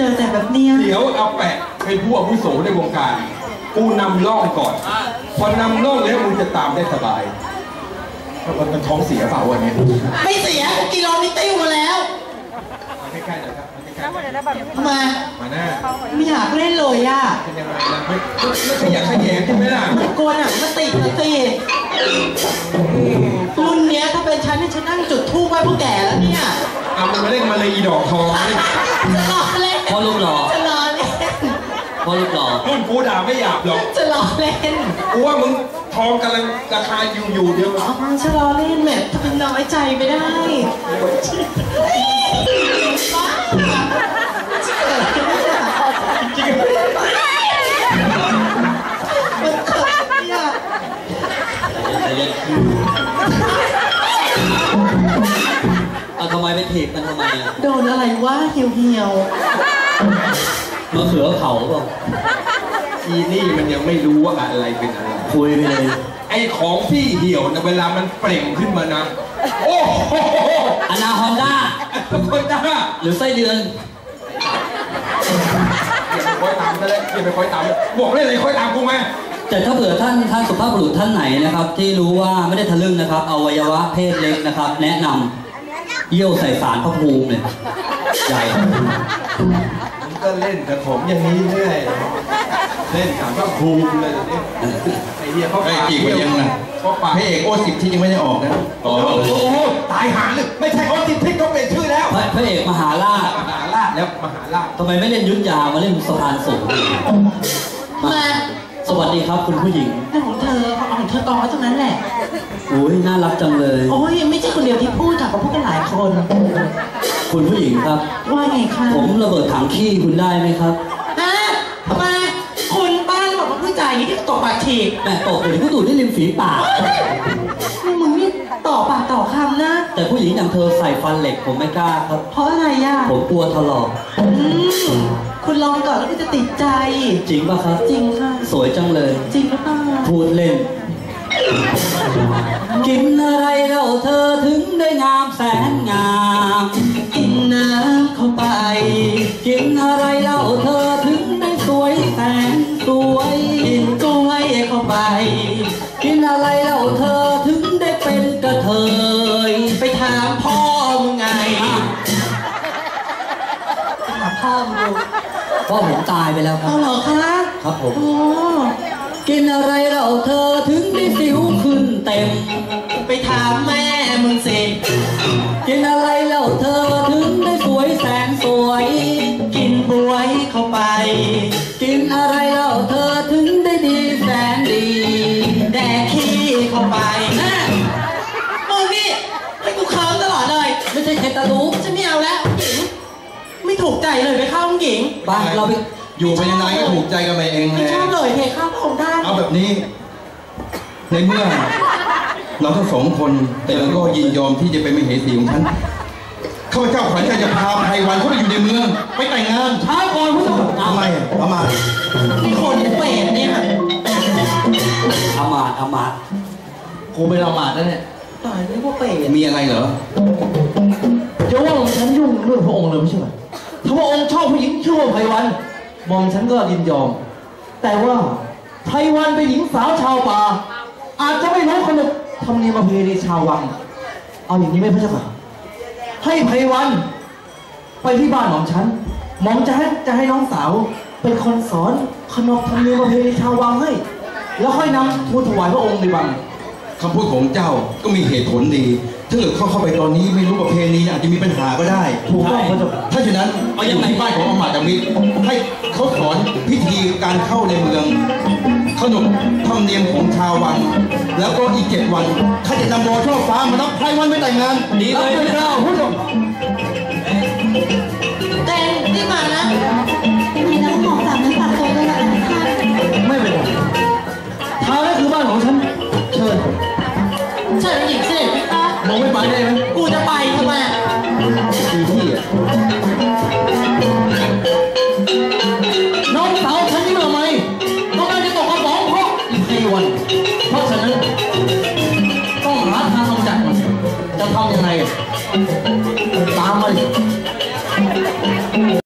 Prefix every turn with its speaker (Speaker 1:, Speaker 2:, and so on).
Speaker 1: จอแต่แบบเนี้ย
Speaker 2: เดี๋ยวเอาแปะเป็นผู้อาวุโสในวงการกูนำร่องก่อนพอนำร่องแล้วมึงจะตามได้สบายมันท้องเสียเปล่าวันนี้
Speaker 1: ไม่เสียกูกินรอมิติ้วมาแล้ว
Speaker 2: มาใกล้ๆหน่อยครับมาใกล้
Speaker 1: ๆทำไม
Speaker 2: มาหน้า
Speaker 1: ไม่อยากเล่นเลยอ่ะ
Speaker 2: เป็นยังไงนะไม่ขยันขยแยงใช่ไหมล่ะ
Speaker 1: กลัวหนังมาติดนะสิรุ่นเนี้ยถ้าเป็นฉันเนี่ยฉันนั่งจุดธูปไว้พวกแก่แล้วเนี่ย
Speaker 2: เอามันมาเล่นมาเลยอีดอกทอง
Speaker 1: จะรอเล่น
Speaker 3: พอลูกหล่อ
Speaker 1: จะรอเล่น
Speaker 3: พอลูกหล่อ
Speaker 2: รุ่นกูด่าไม่หยาบหรอก
Speaker 1: จะรอเล่น
Speaker 2: กูว่ามึงทองกำลังราคาอยู่เดียว
Speaker 1: จะรอเล่นแม่ถ้าเป็นน้อยใจไม่ได้จริงมันเกิดเนี่ย
Speaker 3: ทำไมไปถีบมันทำไม
Speaker 1: โดนอะไรวะเหี่ยว
Speaker 3: มะเขือเผาเปล่า
Speaker 2: อีนี่มันยังไม่รู้ว่าอะไรเป็นอะไร
Speaker 3: คุยไปเลย
Speaker 2: ไอ้ของพี่เหี่ยวนะเวลามันเปล่งขึ้นมานะโอ้โห
Speaker 3: อนาคอนด้า
Speaker 2: คนด้า
Speaker 3: หรือไส้เดือน
Speaker 2: อย่าไปคอยตามซะเลยอย่าไปคอยตามบอกเลยคอยตามกูไหม
Speaker 3: แต่ถ้าเผื่อท่านสุภาพบุรุษท่านไหนนะครับที่รู้ว่าไม่ได้ทะลึ่งนะครับอวัยวะเพศเล็กนะครับแนะนำเยี่ยวใส่สารพระภูมิเลยใหญ่
Speaker 2: ผมก็เล่นกับผมอย่างนี้เรื่อยเล่นสารพระภูมิเลยไอ้เหี้ยเขา
Speaker 4: จีบกันยังไงพระเอกโอสิบที่ยังไม่ได้ออกนะ
Speaker 2: โอ้โหตายหาเลยไม่ใช่โอสิบที่ต้องเปลี่ยนชื่อแล้ว
Speaker 3: พระเอกมหาราช
Speaker 2: แล้วมหาราช
Speaker 3: ทำไมไม่เล่นยุทธยามาเล่นสะพานสูง
Speaker 1: มา
Speaker 3: สวัสดีครับคุณผู้หญิง
Speaker 1: เรื่องของเธอกองไว้ตรงนั้นแหละ
Speaker 3: โอ้ยน่ารักจังเลย
Speaker 1: โอ้ยไม่ใช่คนเดียวที่พูดค่ะเขาพูดกันหลายคน
Speaker 3: คุณผู้หญิงครับ
Speaker 1: ว่าไงคะ
Speaker 3: ผมระเบิดถังขี้คุณได้ไหมครับ
Speaker 1: ทำไมคุณบ้านบอกว่าผู้จ่ายอย่างนี้ที่ตกปากฉีก
Speaker 3: แต่ตกเดี๋ยวผู้ดูดได้ริมฝีปาก
Speaker 1: มึงนี่ต่อปากต่อคำนะ
Speaker 3: แต่ผู้หญิงอย่างเธอใส่ฟันเหล็กผมไม่กล้าครับ
Speaker 1: เพราะอะไรอ่ะ
Speaker 3: ผมกลัวถลอก
Speaker 1: คุณลองก่อนแล้วคุณจะติดใจ
Speaker 3: จริงป่ะครับ
Speaker 1: จริงค่ะ
Speaker 3: สวยจังเลย
Speaker 1: จริงหรือเปล่า
Speaker 3: พูดเล่นกินอะไรเราเธอถึงได้งามแสนงาม
Speaker 1: กินน้ำเข้าไป
Speaker 3: กินอะไรเราเธอถึงได้สวยแสนสวย
Speaker 1: กินกล้วยเข้าไป
Speaker 3: กินอะไรเราเธอถึงได้เป็นกระเทย
Speaker 1: ไปถามพ่อมึงไงถามพ่อมึง
Speaker 3: พ่อผมตายไปแล้วครับ
Speaker 1: เหรอคะ
Speaker 3: ครับผมกินอะไรเราเธอถึงได้สิวขึ้นเต็ม
Speaker 1: ไปถามแม่มึงสิ
Speaker 3: กินอะไรเราเธอถึงได้สวยแสนสวย
Speaker 1: กินบวยเข้าไป
Speaker 3: กินอะไรเราเธอถึงได้ดีแสนดี
Speaker 1: แดกขี้เข้าไปมึงนี่ให้กูเคิร์มตลอดเลย
Speaker 3: ไม่ใช่แคตตาลูป
Speaker 1: ฉันไม่เอาแล้วหญิงไม่ถูกใจเลยไปเข้าหญิง
Speaker 3: บ้านเราไป
Speaker 4: อยู่ไปยังไงก็ถูกใจกันไปเอง
Speaker 1: ไม่ชอบเลยเพคเข้าพระองค์ท่าน
Speaker 4: เอาแบบนี้ในเมื่อเราทั้งสองคนแต่เราก็ยินยอมที่จะเป็นมเหสีของฉันข้าพเจ้าขวัญใจจะพาไพวันเข้าไปอยู่ในเมืองไปแต่งงาน
Speaker 3: ช้าก่อนผู้ชม
Speaker 4: ทำไมประมาท
Speaker 1: นี่คนเปรตเนี่ย
Speaker 3: อมาตกูเป็นอมาตแล้วเนี่ย
Speaker 1: ตายไม่ว่าเปรต
Speaker 4: มีอะไรเหรอ
Speaker 3: จะว่าฉันยุ่งเรื่องพระองค์เลยไม่ใช่ไหมถ้าพระองค์ชอบผู้หญิงชื่อว่าไพวันมองฉันก็ยินยอมแต่ว่าไพวันเป็นหญิงสาวชาวป่าอาจจะไม่รู้ขนบธรรมเนียมประเพณีชาววังเอาอย่างนี้ไหมพระเจ้าค่ะให้ไพวันไปที่บ้านของฉันหม่อมจะให้น้องสาวเป็นคนสอนขนบธรรมเนียมประเพณีชาววังให้แล้วค่อยนำทูลถวายพระองค์ในวัง
Speaker 4: คำพูดของเจ้าก็มีเหตุผลดีถ้าเกิดเข้าไปตอนนี้ไม่รู้ประเพณีอาจจะมีปัญหาก็ได้
Speaker 3: ถูกต้อง
Speaker 4: ถ้าฉะนั้นเอาอย่างที่บ้านของอมาตย์มิตรให้เขาสอนพิธีการเข้าในเมืองขนบธรรมเนียมของชาววังแล้วก็อีก7 วันข้าจะนำโบช่อฟ้ามารับไพวันไปแต่งงาน
Speaker 3: ดีเลย
Speaker 4: เจ้าผู้ชม
Speaker 1: แต่ที่มานะ
Speaker 5: มีน้ำหอมสามน้ำตาลโตด้วยนะท่าน
Speaker 3: ไม่เป็นไรทางนั้นคือบ้านของฉันเชิญ
Speaker 1: หญิงเสด็จพี่คะ
Speaker 3: มองไม่ไปได้ไหม
Speaker 1: กูจะไปทำไม
Speaker 3: ที่น้องสาวฉันนี่มาไหมต้องการจะตกกระป๋องเพราะไพวันเพราะฉะนั้นต้องหาทางกำจัดมันจะทำยังไงตามมา